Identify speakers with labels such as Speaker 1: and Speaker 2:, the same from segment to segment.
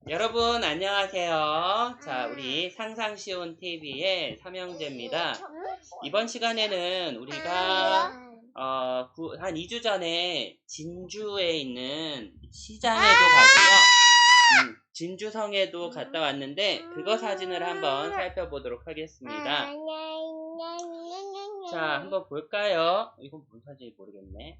Speaker 1: 여러분 안녕하세요. 자, 우리 상상쉬운 TV의 삼형제입니다. 이번 시간에는 우리가 한 2주 전에 진주에 있는 시장에도 가고요. 진주성에도 갔다 왔는데 그거 사진을 한번 살펴보도록 하겠습니다. 자, 한번 볼까요? 이건 뭔 사진인지 모르겠네.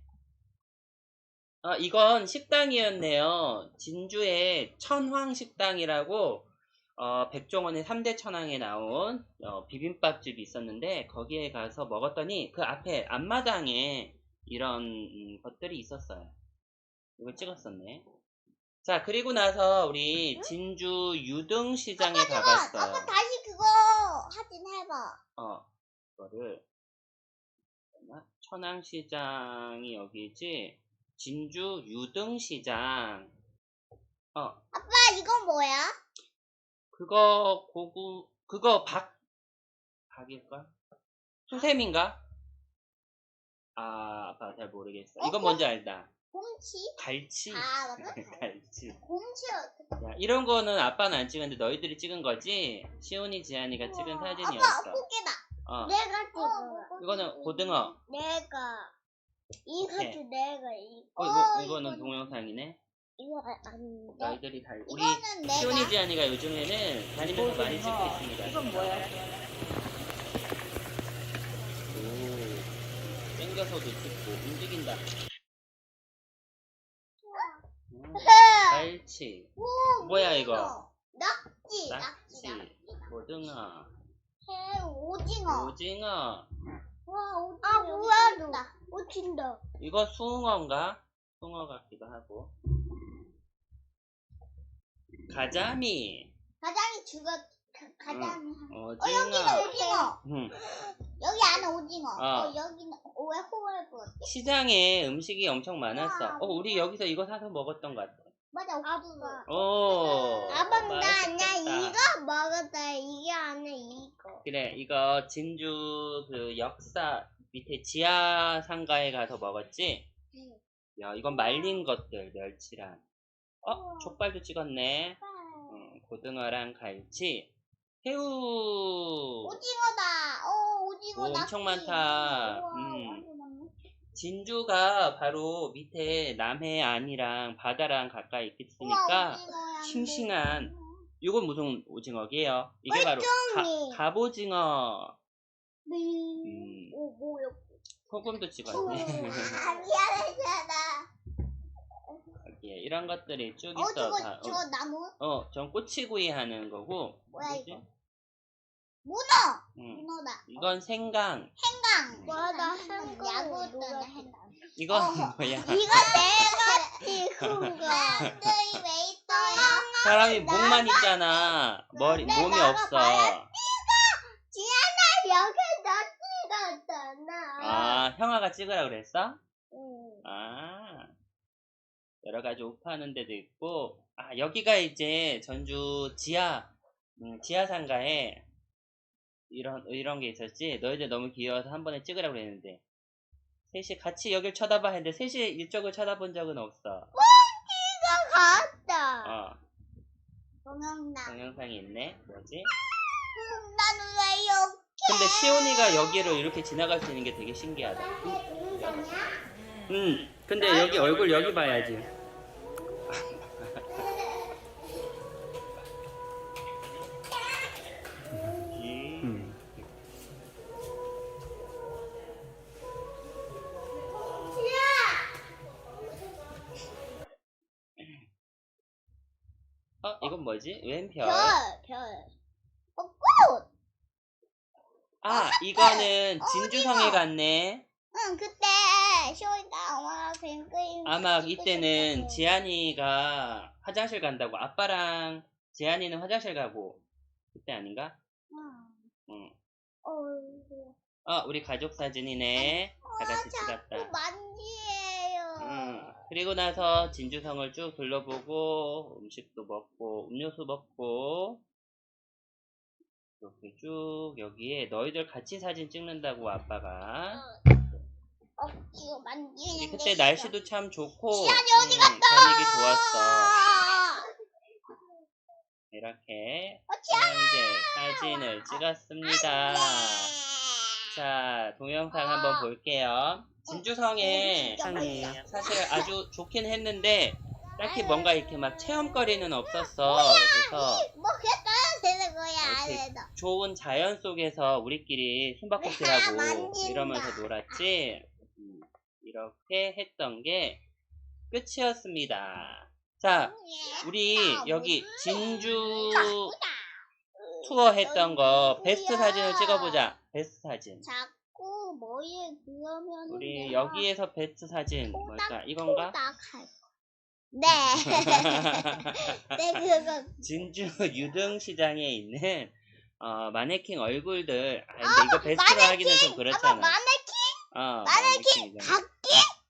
Speaker 1: 이건 식당이었네요. 진주의 천황식당이라고 백종원의 3대 천왕에 나온 비빔밥집이 있었는데 거기에 가서 먹었더니 그 앞에 앞마당에 이런 것들이 있었어요. 이걸 찍었었네. 자, 그리고 나서 우리 진주 유등시장에 가봤어요.
Speaker 2: 아빠 다시 그거 사진 해봐.
Speaker 1: 이거를 천왕시장이 여기지. 진주 유등시장.
Speaker 2: 아빠 이건 뭐야?
Speaker 1: 그거 박일까? 수세미인가? 아빠 잘 모르겠어. 이건 뭔지 알다.
Speaker 2: 곰치?
Speaker 1: 갈치.
Speaker 2: 맞아?
Speaker 1: 갈치.
Speaker 2: 곰치야.
Speaker 1: 야, 이런 거는 아빠는 안 찍었는데 너희들이 찍은 거지? 시온이 지안이가 찍은 사진이었어.
Speaker 2: 아빠 포개다. 내가 찍어.
Speaker 1: 이거는 고등어.
Speaker 2: 내가. 이것도 내가
Speaker 1: 이거는 동영상이네.
Speaker 2: 이거 아닌데.
Speaker 1: 너희들이 우리
Speaker 2: 이거는 내가.
Speaker 1: 시온이 지안이가 요즘에는 다니면서 많이 찍고 있습니다.
Speaker 3: 이건 뭐야?
Speaker 1: 땡겨서도 찍고 움직인다. 갈치. 뭐야 이거?
Speaker 2: 낙지.
Speaker 1: 고등어.
Speaker 2: 오징어. 와, 오징어. 뭐야, 오징어.
Speaker 1: 이거 숭어인가? 숭어 같기도 하고. 가자미.
Speaker 2: 가장이 가장이.
Speaker 1: 오징어.
Speaker 2: 여기는 오징어. 여기 안에 오징어. 여기는 왜 호월 것?
Speaker 1: 시장에 음식이 엄청 많았어. 우리 여기서 이거 사서 먹었던 것 같아.
Speaker 2: 맞아, 오징어.
Speaker 1: 아빠
Speaker 2: 나 이거 먹었다. 이게 안에 이거.
Speaker 1: 그래, 이거 진주 그 역사 밑에 지하 상가에 가서 먹었지?
Speaker 2: 응.
Speaker 1: 야, 이건 말린 것들, 멸치랑. 족발도 찍었네. 고등어랑 갈치. 새우.
Speaker 2: 오징어다. 오징어.
Speaker 1: 엄청 많다. 진주가 바로 밑에 남해안이랑 바다랑 가까이 있으니까 싱싱한. 이건 무슨 오징어게요? 이게 바로 갑오징어.
Speaker 2: 뭐야?
Speaker 1: 소금도 찍었네.
Speaker 2: 미안하잖아.
Speaker 1: 이런 것들이 쭉 있어.
Speaker 2: 저 나무?
Speaker 1: 전 꼬치구이 하는 거고.
Speaker 2: 뭐야 이거? 문어. 문어다.
Speaker 1: 이건 생강.
Speaker 2: 맞아, 야구였잖아, 생강.
Speaker 1: 이건 뭐야?
Speaker 2: 이거 내가 찍은 거. 사람들이 왜 있어요?
Speaker 1: 사람이 목만 있잖아. 몸이 없어.
Speaker 2: 지안아, 여기 너 찍었잖아.
Speaker 1: 형아가 찍으라 그랬어?
Speaker 2: 응.
Speaker 1: 여러 가지 옷 파는 데도 있고. 여기가 이제 전주 지하상가에 이런 게 있었지. 너희들 너무 귀여워서 한 번에 찍으라고 그랬는데 셋이 같이 여길 쳐다봐 했는데 셋이 이쪽을 쳐다본 적은 없어.
Speaker 2: 이거 갔다.
Speaker 1: 동영상이 있네. 뭐지?
Speaker 2: 나는 왜 여기?
Speaker 1: 근데 시온이가 여기를 이렇게 지나갈 수 있는 게 되게 신기하다. 근데 여기 얼굴 여기 봐야지. 이건 뭐지? 웬 별?
Speaker 2: 별. 꽃.
Speaker 1: 이거는 진주성에 갔네.
Speaker 2: 응, 그때 쇼이가 엄마가 뱅크임.
Speaker 1: 아마 이때는 지안이가 화장실 간다고. 아빠랑 지안이는 화장실 가고 그때 아닌가? 응. 우리 가족 사진이네. 다 같이 찍었다.
Speaker 2: 만지예요.
Speaker 1: 그리고 나서 진주성을 쭉 둘러보고 음식도 먹고 음료수 먹고 이렇게 쭉 여기에 너희들 같이 사진 찍는다고 아빠가.
Speaker 2: 이거 만지는
Speaker 1: 그때 날씨도 참 좋고
Speaker 2: 지안이 어디 갔다?
Speaker 1: 분위기 좋았어. 이렇게 현재 사진을 찍었습니다. 자, 동영상 한번 볼게요. 진주성에 사실 아주 좋긴 했는데 딱히 뭔가 이렇게 막 체험거리는 없었어. 그래서
Speaker 2: 뭐 그랬어야 되는 거야
Speaker 1: 이렇게
Speaker 2: 안에서.
Speaker 1: 좋은 자연 속에서 우리끼리 숨바꼭질하고
Speaker 2: 만진다.
Speaker 1: 이러면서 놀았지. 이렇게 했던 게 끝이었습니다. 자, 우리 여기 진주 투어 했던 거 베스트 사진을 찍어보자. 베스트 사진.
Speaker 2: 자꾸 머리에 그러면
Speaker 1: 우리 여기에서 베스트 사진 뭘까? 이건가?
Speaker 2: 네. 네 그거.
Speaker 1: 진주 유등시장에 있는 마네킹 얼굴들. 아, 근데 이거 베스트로 하기는 좀 그렇잖아.
Speaker 2: 마네킹?
Speaker 1: 마네킹
Speaker 2: 각기?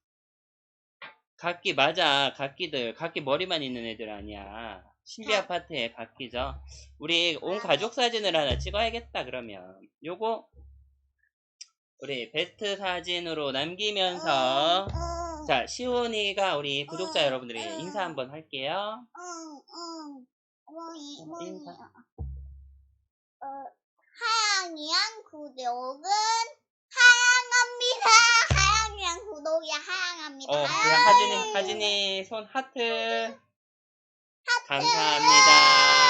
Speaker 1: 각기 맞아. 각기들. 각기 머리만 있는 애들 아니야. 신비 아파트의 각기죠. 우리 온 가족 사진을 하나 찍어야겠다. 그러면 요거 우리 베스트 사진으로 남기면서 자, 시온이가 우리 구독자 여러분들이 인사 한번 할게요. 인사.
Speaker 2: 하양이양 구독은 하양합니다. 하양이양 구독이 하양합니다.
Speaker 1: 하진이 손 하트. 감사합니다.